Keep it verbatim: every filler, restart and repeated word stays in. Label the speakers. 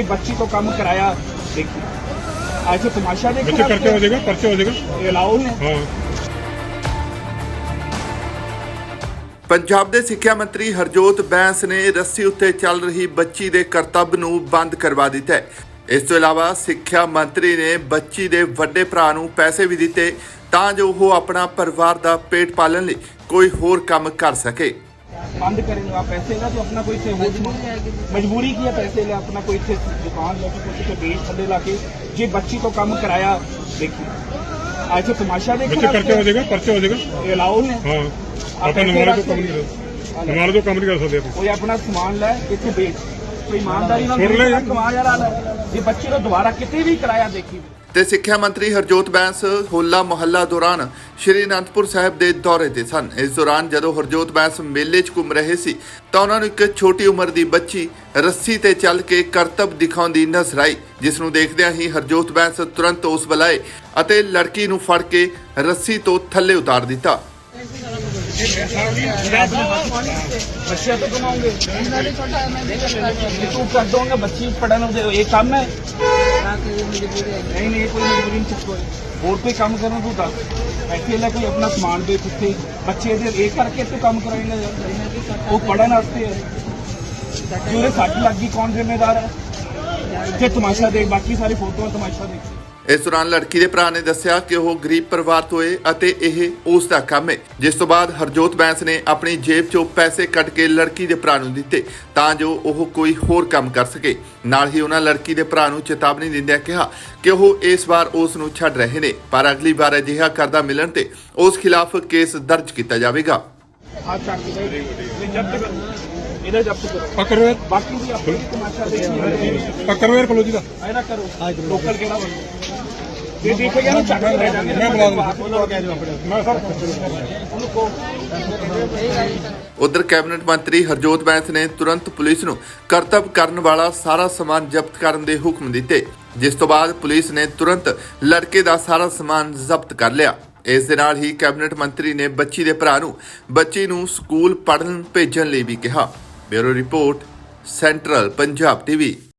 Speaker 1: जे बच्ची को काम कराया देखिए ऐसे तमाशा देखो
Speaker 2: बच्चे पर्चा हो जाएगा पर्चा हो जाएगा
Speaker 1: ये अलाउ है।
Speaker 2: हाँ
Speaker 3: ਪੰਜਾਬ ਦੇ ਸਿੱਖਿਆ ਮੰਤਰੀ ਹਰਜੋਤ ਬੈਂਸ ਨੇ ਰੱਸੀ ਉੱਤੇ ਚੱਲ ਰਹੀ ਬੱਚੀ ਦੇ ਕਰਤੱਵ ਨੂੰ ਬੰਦ ਕਰਵਾ ਦਿੱਤਾ ਹੈ। ਇਸ ਤੋਂ ਇਲਾਵਾ ਸਿੱਖਿਆ ਮੰਤਰੀ ਨੇ ਬੱਚੀ ਦੇ ਵੱਡੇ ਭਰਾ ਨੂੰ ਪੈਸੇ ਵੀ ਦਿੱਤੇ ਤਾਂ ਜੋ ਉਹ ਆਪਣਾ ਪਰਿਵਾਰ ਦਾ ਪੇਟ ਪਾਲਣ ਲਈ ਕੋਈ ਹੋਰ ਕੰਮ ਕਰ ਸਕੇ।
Speaker 1: बंद करेंगे आप पैसे ला तो अपना कोई से मजबूरी की है पैसे ला अपना कोई से दुकान लेके कुछ से बेच थले ला के जे बच्ची को काम कराया देखिए ऐसे तमाशा देखो
Speaker 2: बच्चे पर्चा हो जाएगा पर्चा हो जाएगा
Speaker 1: ये अलाउ है।
Speaker 2: हाँ ਆਪਾਂ ਨਮਾਜ਼ ਤੋਂ ਕੰਮ ਨਹੀਂ ਕਰ ਨਮਾਜ਼ ਤੋਂ ਕੰਮ ਨਹੀਂ ਕਰ ਸਕਦੇ ਆਪਾਂ
Speaker 1: कोई अपना सामान लै इतने बेच कोई ईमानदारी ना
Speaker 2: सुन ले यार।
Speaker 1: कमा यार ये बच्ची को दोबारा कितने भी कराया देखी
Speaker 3: ਤੇ ਸਿੱਖਿਆ ਮੰਤਰੀ ਹਰਜੋਤ ਬੈਂਸ ਹੋਲਾ ਮੁਹੱਲਾ ਦੌਰਾਨ ਸ਼੍ਰੀ ਅਨੰਦਪੁਰ ਸਾਹਿਬ ਦੇ ਦੌਰੇ ਤੇ ਸਨ। ਇਸ ਦੌਰਾਨ ਜਦੋਂ ਹਰਜੋਤ ਬੈਂਸ ਮੇਲੇ 'ਚ ਘੁੰਮ ਰਹੇ ਸੀ ਤਾਂ ਉਹਨਾਂ ਨੂੰ ਇੱਕ ਛੋਟੀ ਉਮਰ ਦੀ ਬੱਚੀ ਰੱਸੀ ਤੇ ਚੱਲ ਕੇ ਕਰਤੱਵ ਦਿਖਾਉਂਦੀ ਨਜ਼ਰ ਆਈ, ਜਿਸ ਨੂੰ ਦੇਖਦਿਆਂ ਹੀ ਹਰਜੋਤ ਬੈਂਸ ਤੁਰੰਤ ਉਸ ਵੱਲ ਆਏ ਅਤੇ ਲੜਕੀ ਨੂੰ ਫੜ ਕੇ ਰੱਸੀ ਤੋਂ ਥੱਲੇ ਉਤਾਰ ਦਿੱਤਾ।
Speaker 1: बच्चे तो कमाओगे तू कर दोगे बच्ची पढ़ने ये काम है नहीं नहीं कोई मजबूरी नहीं और कोई काम करना तू दस ऐसे ला कोई अपना समान बेच इतने बच्चे ये करके तू काम कराएंगे वो पढ़ने वास्ते है जो सट लग गई कौन जिम्मेदार है इतने तमाशा देख बाकी सारी फोटो तमाशा देख।
Speaker 3: ਇਸ ਦੌਰਾਨ ਲੜਕੀ ਦੇ ਭਰਾ ਨੇ ਦੱਸਿਆ ਕਿ ਉਹ ਗਰੀਬ ਪਰਿਵਾਰ ਤੋਂ ਹੈ ਅਤੇ ਇਹ ਉਸ ਦਾ ਕੰਮ ਹੈ, ਜਿਸ ਤੋਂ ਬਾਅਦ ਹਰਜੋਤ ਬੈਂਸ ਨੇ ਆਪਣੀ ਜੇਬ 'ਚੋਂ ਪੈਸੇ ਕੱਢ ਕੇ ਲੜਕੀ ਦੇ ਭਰਾ ਨੂੰ ਦਿੱਤੇ ਤਾਂ ਜੋ ਉਹ ਕੋਈ ਹੋਰ ਕੰਮ ਕਰ ਸਕੇ। ਨਾਲ ਹੀ ਉਹਨਾਂ ਲੜਕੀ ਦੇ ਭਰਾ ਨੂੰ ਚੇਤਾਵਨੀ ਦਿੰਦਿਆਂ ਕਿਹਾ ਕਿ ਉਹ ਇਸ ਵਾਰ ਉਸ ਨੂੰ ਛੱਡ ਰਹੇ ਨੇ, ਪਰ ਅਗਲੀ ਵਾਰ ਅਜਿਹਾ ਕਰਦਾ ਮਿਲਣ ਤੇ ਉਸ ਖਿਲਾਫ ਕੇਸ ਦਰਜ ਕੀਤਾ ਜਾਵੇਗਾ।
Speaker 1: इधर जब्त करो
Speaker 2: पकड़ो यार
Speaker 1: बाकी भी अपनी तमाशा देखिए
Speaker 2: पकड़ो यार कलो जी का
Speaker 1: ऐना करो लोकल केड़ा बंदा ये देखेगा ना चक्कर ले जाएंगे
Speaker 2: मैं बुला दूं मैं सर
Speaker 1: उनको
Speaker 3: ਉਧਰ ਕੈਬਨਿਟ ਮੰਤਰੀ ਹਰਜੋਤ ਬੈਂਸ ਨੇ ਤੁਰੰਤ ਪੁਲਿਸ ਨੂੰ ਕਰਤੱਵ ਕਰਨ ਵਾਲਾ ਸਾਰਾ ਸਮਾਨ ਜ਼ਬਤ ਕਰਨ ਦੇ ਹੁਕਮ ਦਿੱਤੇ, ਜਿਸ ਤੋਂ ਬਾਅਦ ਪੁਲਿਸ ਨੇ ਤੁਰੰਤ ਲੜਕੇ ਦਾ ਸਾਰਾ ਸਮਾਨ ਜ਼ਬਤ ਕਰ ਲਿਆ। ਇਸ ਦੇ ਨਾਲ ਹੀ ਕੈਬਨਿਟ ਮੰਤਰੀ ਨੇ ਬੱਚੀ ਦੇ ਭਰਾ ਨੂੰ ਬੱਚੀ ਨੂੰ ਸਕੂਲ ਪੜ੍ਹਨ ਭੇਜਣ ਲਈ ਵੀ ਕਿਹਾ। Bureau report central Punjab TV.